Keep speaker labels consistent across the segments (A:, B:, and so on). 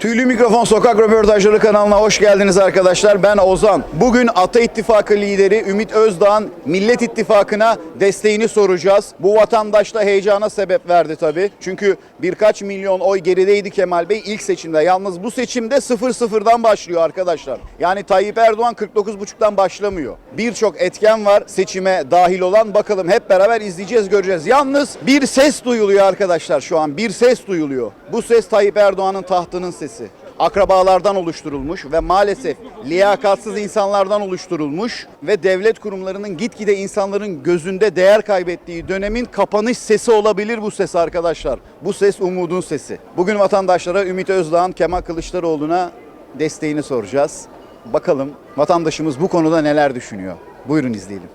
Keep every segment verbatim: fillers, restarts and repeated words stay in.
A: Tüylü Mikrofon Sokak Röportajları kanalına hoş geldiniz arkadaşlar. Ben Ozan. Bugün Ata İttifakı lideri Ümit Özdağ'ın Millet İttifakı'na desteğini soracağız. Bu vatandaşta heyecana sebep verdi tabii. Çünkü birkaç milyon oy gerideydi Kemal Bey ilk seçimde. Yalnız bu seçimde sıfır sıfırdan başlıyor arkadaşlar. Yani Tayyip Erdoğan kırk dokuz buçuktan başlamıyor. Birçok etken var seçime dahil olan. Bakalım hep beraber izleyeceğiz, göreceğiz. Yalnız bir ses duyuluyor arkadaşlar şu an. Bir ses duyuluyor. Bu ses Tayyip Erdoğan'ın tahtının sesi. Akrabalardan oluşturulmuş ve maalesef liyakatsız insanlardan oluşturulmuş ve devlet kurumlarının gitgide insanların gözünde değer kaybettiği dönemin kapanış sesi olabilir bu ses arkadaşlar. Bu ses umudun sesi. Bugün vatandaşlara Ümit Özdağ'ın Kemal Kılıçdaroğlu'na desteğini soracağız. Bakalım vatandaşımız bu konuda neler düşünüyor. Buyurun izleyelim.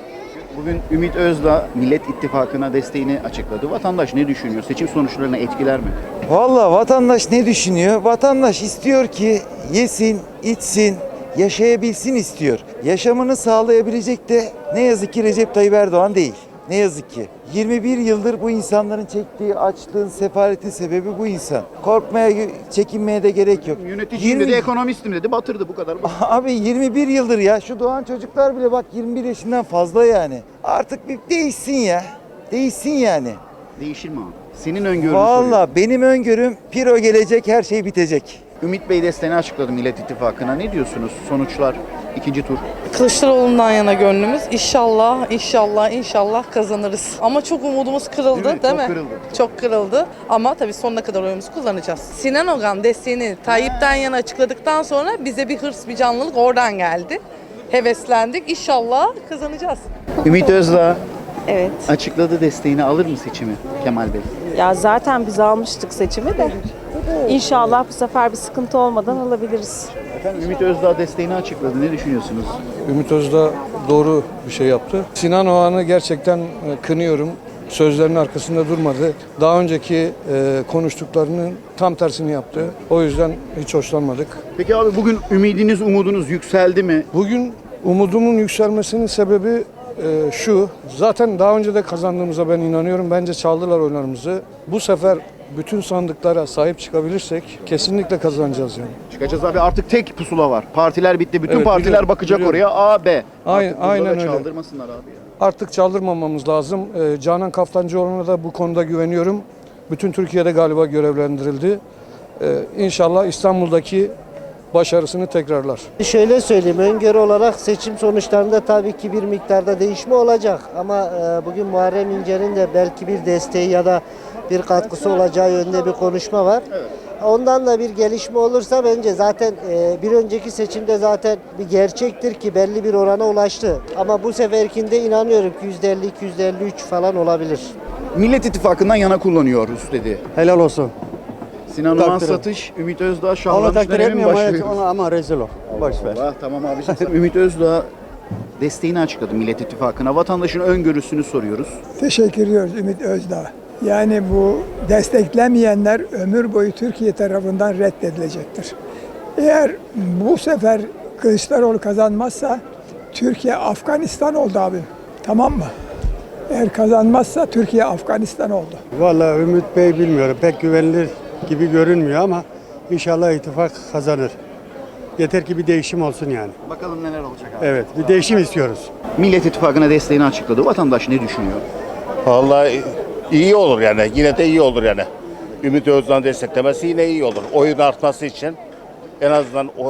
A: Bugün Ümit Özdağ Millet İttifakı'na desteğini açıkladı. Vatandaş ne düşünüyor? Seçim sonuçlarına etkiler mi?
B: Vallahi vatandaş ne düşünüyor? Vatandaş istiyor ki yesin, içsin, yaşayabilsin istiyor. Yaşamını sağlayabilecek de ne yazık ki Recep Tayyip Erdoğan değil. Ne yazık ki. yirmi bir yıldır bu insanların çektiği açlığın, sefaletin sebebi bu insan. Korkmaya, çekinmeye de gerek yok.
A: Yöneticiyim dedi, ekonomistim dedi, batırdı bu kadar.
B: Abi yirmi bir yıldır ya şu doğan çocuklar bile bak yirmi bir yaşından fazla yani. Artık bir değişsin ya. Değişsin yani.
A: Değişir mi abi? Senin öngörünü
B: Vallahi
A: soruyorum.
B: benim öngörüm piro gelecek, her şey bitecek.
A: Ümit Bey desteğini açıkladı Millet İttifakı'na. Ne diyorsunuz? Sonuçlar ikinci tur.
C: Kılıçdaroğlu'ndan yana gönlümüz. İnşallah, inşallah, inşallah kazanırız. Ama çok umudumuz kırıldı
A: Değil
C: değil
A: mi?
C: mi?
A: Çok kırıldı.
C: Çok kırıldı. Ama tabii sonuna kadar oyumuzu kullanacağız. Sinan Ogan desteğini Tayyip'ten yana açıkladıktan sonra bize bir hırs, bir canlılık oradan geldi. Heveslendik. İnşallah kazanacağız.
A: Ümit Özdağ
D: Evet.
A: açıkladı desteğini, alır mı seçimi Kemal Bey?
D: Ya zaten biz almıştık seçimi de. İnşallah bu sefer bir sıkıntı olmadan alabiliriz.
A: Efendim Ümit Özdağ desteğini açıkladı. Ne düşünüyorsunuz?
E: Ümit Özdağ doğru bir şey yaptı. Sinan Oğan'ı gerçekten e, kınıyorum. Sözlerinin arkasında durmadı. Daha önceki e, konuştuklarının tam tersini yaptı. O yüzden hiç hoşlanmadık.
A: Peki abi bugün ümidiniz, umudunuz yükseldi mi?
E: Bugün umudumun yükselmesinin sebebi e, şu. Zaten daha önce de kazandığımıza ben inanıyorum. Bence çaldılar oylarımızı. Bu sefer bütün sandıklara sahip çıkabilirsek kesinlikle kazanacağız yani.
A: Çıkacağız abi, artık tek pusula var. Partiler bitti. Bütün
E: Evet,
A: partiler
E: biliyorum,
A: bakacak
E: biliyorum.
A: oraya. A, B.
E: Aynen-
A: Artık burada
E: aynen
A: da
E: öyle.
A: çaldırmasınlar abi ya.
E: Artık çaldırmamamız lazım. Ee, Canan Kaftancıoğlu'na da bu konuda güveniyorum. Bütün Türkiye'de galiba görevlendirildi. Ee, İnşallah İstanbul'daki başarısını tekrarlar.
F: Şöyle söyleyeyim, öngörü olarak seçim sonuçlarında tabii ki bir miktarda değişme olacak. Ama e, bugün Muharrem İnce'nin de belki bir desteği ya da bir katkısı olacağı yönünde bir konuşma var. Ondan da bir gelişme olursa bence zaten e, bir önceki seçimde zaten bir gerçektir ki belli bir orana ulaştı. Ama bu seferkinde inanıyorum ki yüzde elli iki yüzde elli üç falan olabilir.
A: Millet İttifakı'ndan yana kullanıyoruz dedi.
G: Helal olsun.
A: Sinan Oğan
G: Takdir et.
A: satış, Ümit Özdağ
G: Onu
A: şahlanmış
G: takdir
A: dönemin
G: etmiyorum
A: başlıyor.
G: ama, ama rezil ol. Boş ver.
A: Allah, tamam abiciğim. Ümit Özdağ desteğini açıkladı Millet İttifakı'na. Vatandaşın öngörüsünü soruyoruz.
H: Teşekkür ediyoruz Ümit Özdağ. Yani bu desteklemeyenler ömür boyu Türkiye tarafından reddedilecektir. Eğer bu sefer Kılıçdaroğlu kazanmazsa Türkiye Afganistan oldu abim. Tamam mı? Eğer kazanmazsa Türkiye Afganistan oldu.
G: Vallahi Ümit Bey bilmiyorum. Pek güvenilir gibi görünmüyor ama inşallah ittifak kazanır. Yeter ki bir değişim olsun yani.
A: Bakalım neler olacak abi.
G: Evet, bir değişim istiyoruz.
A: Millet İttifakı'na desteğini açıkladı. Vatandaş ne düşünüyor?
I: Vallahi iyi olur yani. Yine de iyi olur yani. Ümit Özdağ'ın desteklemesi yine iyi olur. Oyun artması için en azından o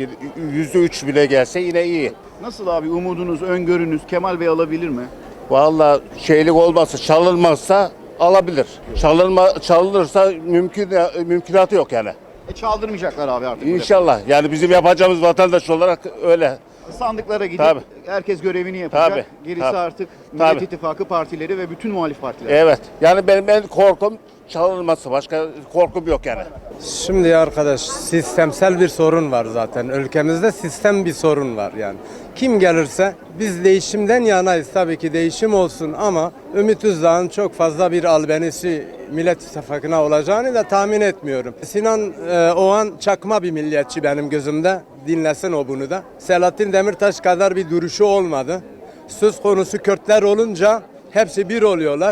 I: yüzde üç bile gelse yine iyi.
A: Nasıl abi, umudunuz, öngörünüz Kemal Bey alabilir mi?
I: Vallahi şeylik olmazsa, çalınmazsa alabilir. Çalınma, çalınırsa mümkün mümkünatı yok yani.
A: E çaldırmayacaklar abi artık.
I: İnşallah. Yani bizim yapacağımız vatandaş olarak öyle.
A: Sandıklara gidip
I: Tabii.
A: herkes görevini yapacak.
I: Tabii,
A: Gerisi
I: tabii.
A: artık Millet
I: Tabii.
A: İttifakı partileri ve bütün muhalif partiler.
I: Evet. Yani benim en korkum çalınması. Başka korkum yok yani.
J: Şimdi arkadaş, sistemsel bir sorun var zaten. Ülkemizde sistem bir sorun var yani. Kim gelirse biz değişimden yanayız, tabii ki değişim olsun ama Ümit Özdağ'ın çok fazla bir albenisi Millet İttifakı'na olacağını da tahmin etmiyorum. Sinan e, Oğan çakma bir milliyetçi benim gözümde. Dinlesin o bunu da. Selahattin Demirtaş kadar bir duruşu olmadı. Söz konusu Kürtler olunca hepsi bir oluyorlar.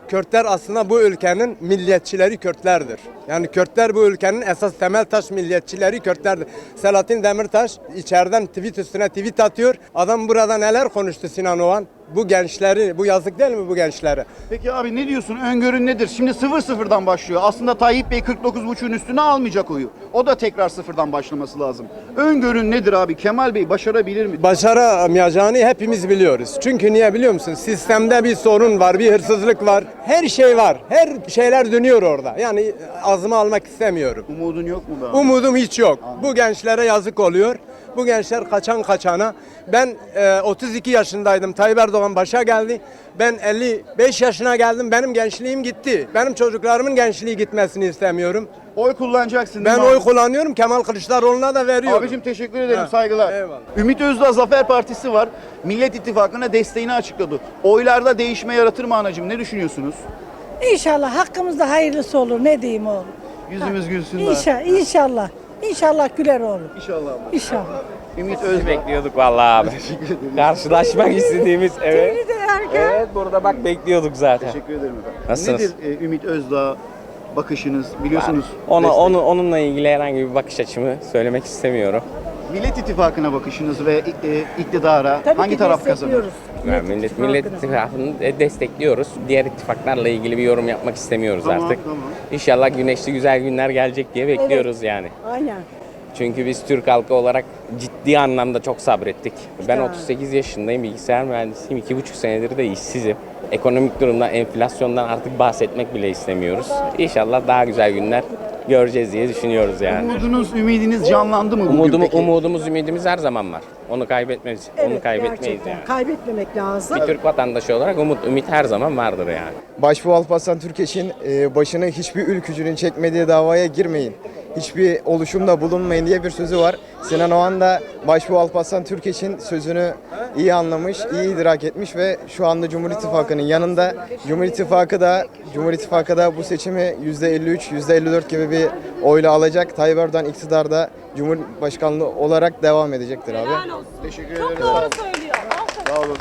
J: Kürtler aslında bu ülkenin milliyetçileri Kürtlerdir. Yani Kürtler bu ülkenin esas temel taş milliyetçileri Kürtlerdir. Selahattin Demirtaş içeriden tweet üstüne tweet atıyor. Adam burada neler konuştu Sinan Oğan? Bu gençleri, bu yazık değil mi bu gençlere?
A: Peki abi ne diyorsun? Öngörün nedir? Şimdi sıfır sıfırdan başlıyor. Aslında Tayyip Bey kırk dokuz buçuğun üstüne almayacak oyu. O da tekrar sıfırdan başlaması lazım. Öngörün nedir abi? Kemal Bey başarabilir mi?
J: Başaramayacağını hepimiz biliyoruz. Çünkü niye biliyor musun? Sistemde bir sorun var, bir hırsızlık var. Her şey var. Her şeyler dönüyor orada. Yani ağzıma almak istemiyorum.
A: Umudun yok mu be abi?
J: Umudum hiç yok. Bu gençlere yazık oluyor. Bu gençler kaçan kaçana. Ben e, otuz iki yaşındaydım. Tayyip Erdoğan başa geldi. Ben elli beş yaşına geldim. Benim gençliğim gitti. Benim çocuklarımın gençliği gitmesini istemiyorum.
A: Oy kullanacaksın
J: Ben
A: değil mi
J: oy
A: abi?
J: kullanıyorum. Kemal Kılıçdaroğlu'na da veriyorum.
A: Abicim teşekkür ederim,
J: Ha,
A: saygılar.
J: eyvallah.
A: Ümit Özdağ Zafer Partisi var. Millet İttifakı'na desteğini açıkladı. Oylarda değişme yaratır mı anacığım? Ne düşünüyorsunuz?
K: İnşallah hakkımızda hayırlısı olur. Ne diyeyim oğlum?
A: Yüzümüz gülsün de.
K: İnşallah, inşallah. İnşallah güler oğlum.
A: İnşallah abi.
K: İnşallah.
A: Ümit Özdağ.
L: Bekliyorduk vallahi abi. Karşılaşmak istediğimiz evet.
K: Seni de erken.
L: Evet burada bak bekliyorduk zaten.
A: Teşekkür ederim efendim.
L: Nasılsınız?
A: Nedir e, Ümit Özdağ bakışınız? Biliyorsunuz.
L: Ona,
A: destek.
L: onu, onunla ilgili herhangi bir bakış açımı söylemek istemiyorum.
A: Millet İttifakı'na bakışınız ve e, iktidara
K: Tabii
A: hangi
K: ki
A: taraf kazanır?
K: destekliyoruz.
L: Yani millet, millet ittifakını de- destekliyoruz. Diğer ittifaklarla ilgili bir yorum yapmak istemiyoruz
A: Tamam,
L: artık.
A: tamam.
L: İnşallah güneşli güzel günler gelecek diye bekliyoruz yani.
K: Aynen.
L: Çünkü biz Türk halkı olarak ciddi anlamda çok sabrettik. Ben
K: İşte.
L: otuz sekiz yaşındayım, bilgisayar mühendisiyim. iki buçuk senedir de işsizim. Ekonomik durumdan, enflasyondan artık bahsetmek bile istemiyoruz. İnşallah daha güzel günler göreceğiz diye düşünüyoruz yani.
A: Umudunuz, ümidiniz canlandı mı bugün
L: Umudumu,
A: peki?
L: umudumuz, ümidimiz her zaman var. Onu kaybetmeyiz. Onu kaybetmeyiz
K: gerçekten.
L: yani.
K: Kaybetmemek lazım.
L: Bir Türk vatandaşı olarak umut, ümit her zaman vardır yani.
M: Başbuğ Alparslan Türkeş'in e, başını hiçbir ülkücünün çekmediği davaya girmeyin, hiçbir oluşumda bulunmayın diye bir sözü var. Sinan Oğan da Başbuğ Alparslan Türkeş'in sözünü iyi anlamış, iyi idrak etmiş ve şu anda Cumhur İttifakı'nın yanında. Cumhur İttifakı da Cumhur İttifakı da bu seçimi yüzde elli üç, yüzde elli dört gibi bir oyla alacak. Tayyip Erdoğan iktidarda Cumhurbaşkanlığı olarak devam edecektir abi.
A: Teşekkür ederim. Çok doğru söylüyor. Sağ olun.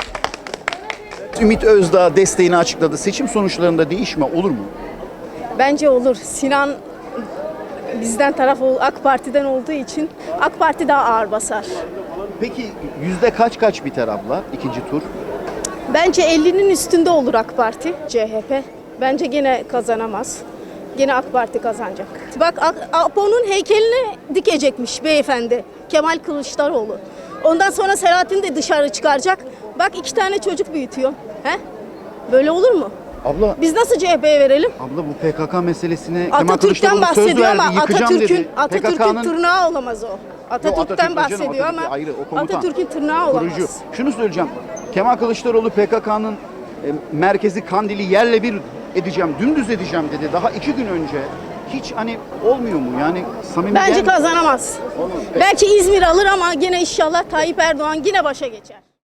A: Ümit Özdağ desteğini açıkladı. Seçim sonuçlarında değişme olur mu?
D: Bence olur. Sinan bizden taraf ol- AK Parti'den olduğu için AK Parti daha ağır basar.
A: Peki yüzde kaç kaç biter abla ikinci tur?
D: Bence ellinin üstünde olur AK Parti, C H P. Bence gene kazanamaz. Gene AK Parti kazanacak. Bak A- Apo'nun heykelini dikecekmiş beyefendi Kemal Kılıçdaroğlu. Ondan sonra Selahattin de dışarı çıkaracak. Bak iki tane çocuk büyütüyor. He? Böyle olur mu?
A: Abla
D: Biz nasıl C H P'ye verelim?
A: abla bu P K K meselesine Kemal
D: Atatürk'ten
A: Kılıçdaroğlu söz
D: bahsediyor
A: verdi,
D: ama
A: yıkacağım
D: Atatürk'ün
A: dedi.
D: Atatürk'ün
A: P K K'nın
D: tırnağı olamaz o. Atatürk'ten
A: Atatürk canım,
D: bahsediyor
A: Atatürk
D: ama
A: ayrı, o komutan.
D: Atatürk'ün tırnağı olamaz.
A: Kurucu. Şunu söyleyeceğim. Kemal Kılıçdaroğlu P K K'nın e, merkezi Kandil'i yerle bir edeceğim, dümdüz edeceğim dedi. Daha iki gün önce. Hiç hani olmuyor mu? Yani samimi
D: Bence
A: gelmiyor.
D: kazanamaz.
A: Olmaz.
D: Belki İzmir alır ama yine inşallah Tayyip Erdoğan yine başa geçer.